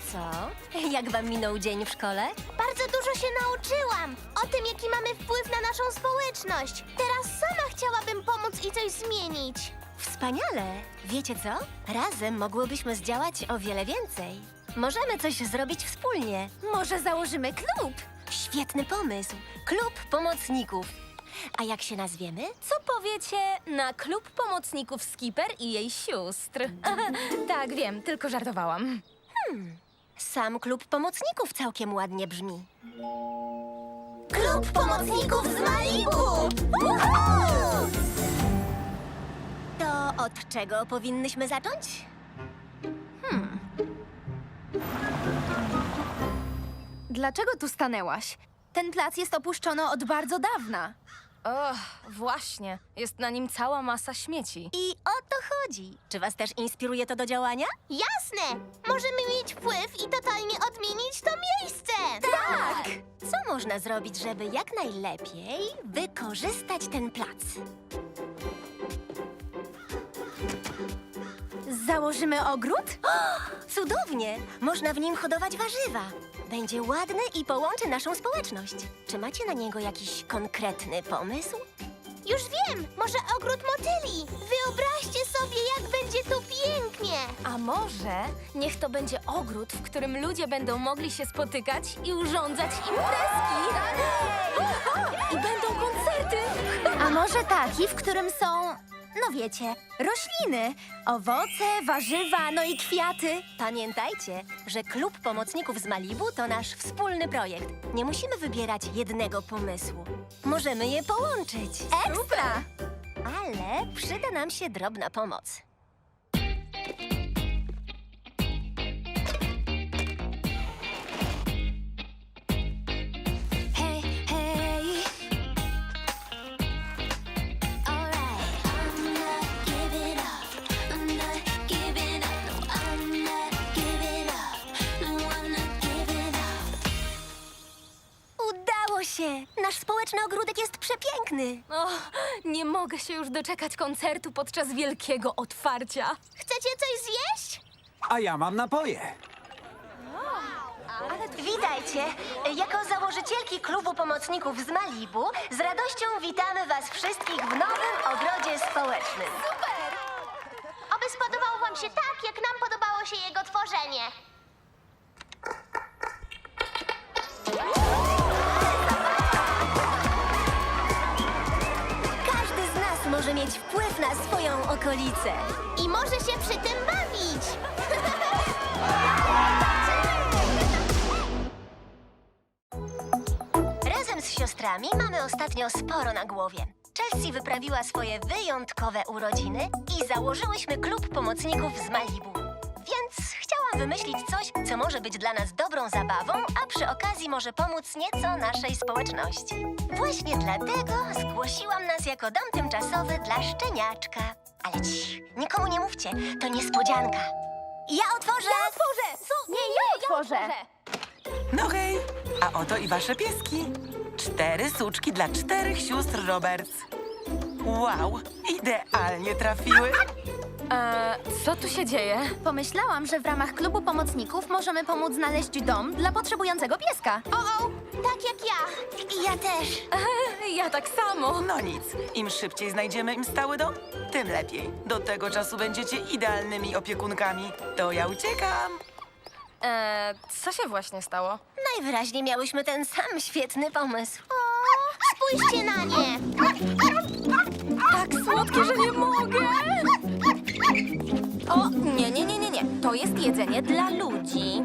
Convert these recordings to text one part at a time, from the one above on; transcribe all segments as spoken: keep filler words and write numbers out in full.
co? Jak wam minął dzień w szkole? Bardzo dużo się nauczyłam o tym, jaki mamy wpływ na naszą społeczność. Teraz sama chciałabym pomóc i coś zmienić. Wspaniale! Wiecie co? Razem mogłybyśmy zdziałać o wiele więcej. Możemy coś zrobić wspólnie. Może założymy klub? Świetny pomysł. Klub Pomocników. A jak się nazwiemy? Co powiecie na klub pomocników Skipper i jej sióstr? Tak, wiem, tylko żartowałam. Sam Klub Pomocników całkiem ładnie brzmi. Klub Pomocników z Malibu! Woohoo! To od czego powinnyśmy zacząć? Dlaczego tu stanęłaś? Ten plac jest opuszczony od bardzo dawna. Och, właśnie. Jest na nim cała masa śmieci. I o to chodzi. Czy was też inspiruje to do działania? Jasne! Możemy mieć wpływ i totalnie odmienić to miejsce! Tak! Co można zrobić, żeby jak najlepiej wykorzystać ten plac? Założymy ogród? Cudownie! Można w nim hodować warzywa. Będzie ładny i połączy naszą społeczność. Czy macie na niego jakiś konkretny pomysł? Już wiem! Może ogród motyli! Wyobraźcie sobie, jak będzie tu pięknie! A może niech to będzie ogród, w którym ludzie będą mogli się spotykać i urządzać imprezki. I będą koncerty. A może taki, w którym są, no wiecie, rośliny, owoce, warzywa, no i kwiaty. Pamiętajcie, że Klub Pomocników z Malibu to nasz wspólny projekt. Nie musimy wybierać jednego pomysłu. Możemy je połączyć. Ekstra! Ale przyda nam się drobna pomoc. Hej, hej. Udało się! Nasz społeczny ogródek jest przepiękny. O, nie mogę się już doczekać koncertu podczas wielkiego otwarcia. Chcecie coś zjeść? A ja mam napoje. Witajcie! Jako założycielki Klubu Pomocników z Malibu z radością witamy was wszystkich w nowym ogrodzie społecznym. Oby spodobał wam się tak, jak nam podobało się jego tworzenie. Każdy z nas może mieć wpływ na swoją okolicę. I może się przy tym bawić! Razem z siostrami mamy ostatnio sporo na głowie. Chelsea wyprawiła swoje wyjątkowe urodziny i założyłyśmy Klub Pomocników z Malibu. Więc chciałam wymyślić coś, co może być dla nas dobrą zabawą, a przy okazji może pomóc nieco naszej społeczności. Właśnie dlatego zgłosiłam nas jako dom tymczasowy dla szczeniaczka. Ale cii, nikomu nie mówcie, to niespodzianka. Ja otworzę! Ja otworzę! Co? Nie, ja otworzę. No hej, a oto i wasze pieski. Cztery suczki dla czterech sióstr Roberts. Wow, idealnie trafiły. Eee, co tu się dzieje? Pomyślałam, że w ramach klubu pomocników możemy pomóc znaleźć dom dla potrzebującego pieska. O, o! Tak jak ja! I ja też. Ja tak samo. No nic, im szybciej znajdziemy im stały dom, tym lepiej. Do tego czasu będziecie idealnymi opiekunkami. To ja uciekam. Eee, co się właśnie stało? Najwyraźniej miałyśmy ten sam świetny pomysł. O, spójrzcie na nie! Tak słodkie, że nie mogę! O, nie, nie, nie, nie, nie. To jest jedzenie dla ludzi.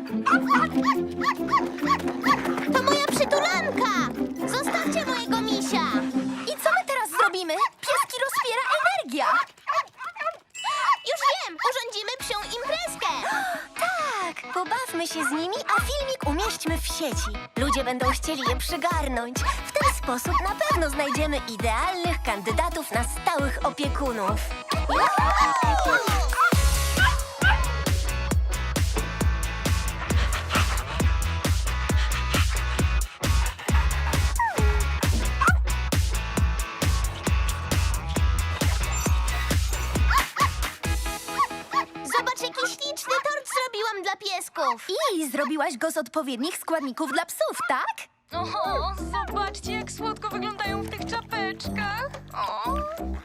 To moja przytulanka! Zostawcie mojego misia! I co my teraz zrobimy? Pieski rozpiera energia. Już wiem! Urządzimy psią imprezkę! Tak, pobawmy się z nimi, a filmik umieśćmy w sieci. Ludzie będą chcieli je przygarnąć. W ten sposób na pewno znajdziemy idealnych kandydatów na stałych opiekunów. Zobacz, jaki śliczny tort zrobiłam dom dla piesków. I zrobiłaś go z odpowiednich składników dla psów, tak? Oho, zobaczcie, jak słodko wyglądają w tych czapeczkach. O.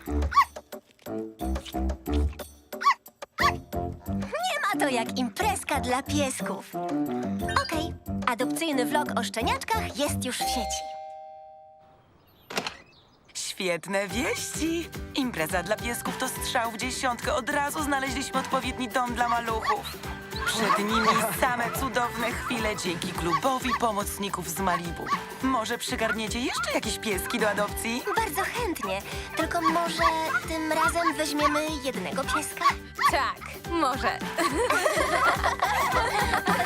Nie ma to jak imprezka dla piesków. Okej, adopcyjny vlog o szczeniaczkach jest już w sieci. Świetne wieści! Impreza dla piesków to strzał w dziesiątkę. Od razu znaleźliśmy odpowiedni dom dla maluchów. Przed nimi same cudowne chwile dzięki klubowi pomocników z Malibu. Może przygarniecie jeszcze jakieś pieski do adopcji? Bardzo chętnie, tylko może tym razem weźmiemy jednego pieska? Tak, może.